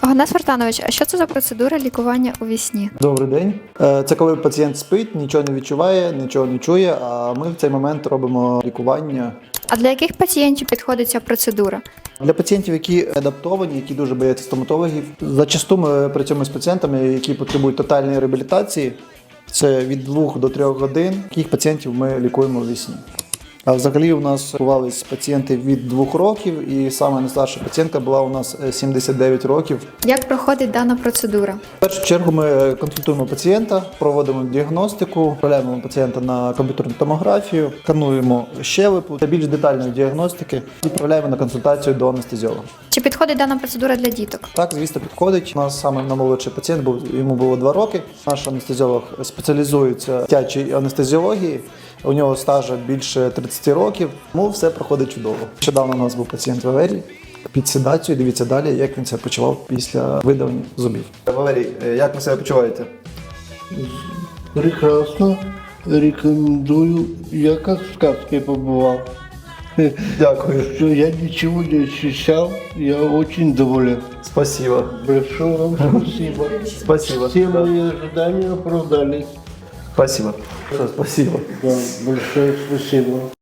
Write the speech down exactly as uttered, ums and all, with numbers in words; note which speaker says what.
Speaker 1: Оганес Вартанович, а що це за процедура лікування у вісні?
Speaker 2: Добрий день. Е, Це коли пацієнт спить, нічого не відчуває, нічого не чує, а ми в цей момент робимо лікування.
Speaker 1: А для яких пацієнтів підходить ця процедура?
Speaker 2: Для пацієнтів, які адаптовані, які дуже бояться стоматологів, зачасту ми працюємо з пацієнтами, які потребують тотальної реабілітації. Це від двох до трьох годин. Таких пацієнтів ми лікуємо у вісні. А взагалі у нас лікувались пацієнти від двох років, і саме найстарша пацієнтка була у нас сімдесят дев'ять років.
Speaker 1: Як проходить дана процедура?
Speaker 2: В першу чергу ми консультуємо пацієнта, проводимо діагностику, відправляємо пацієнта на комп'ютерну томографію, скануємо щелепу для більш детальної діагностики і відправляємо на консультацію до анестезіолога.
Speaker 1: Чи підходить дана процедура для діток?
Speaker 2: Так, звісно, підходить. У нас саме наймолодший пацієнт був, йому було два роки. Наш анестезіолог спеціалізується в дитячій анестезіології. У нього стажа більше тридцять років, тому все проходить чудово. Нещодавно у нас був пацієнт Валерій під седацією. Дивіться далі, як він себе почував після видалення зубів. Валерій, як ви себе почуваєте?
Speaker 3: Прекрасно. Рекомендую. Я как в сказке побывал.
Speaker 2: Дякую.
Speaker 3: Что я ничего не ощущал. Я очень доволен.
Speaker 2: Спасибо.
Speaker 3: Большое вам спасибо.
Speaker 2: Спасибо.
Speaker 3: Все мои ожидания оправдались.
Speaker 2: Спасибо. Спасибо.
Speaker 3: Да, большое спасибо.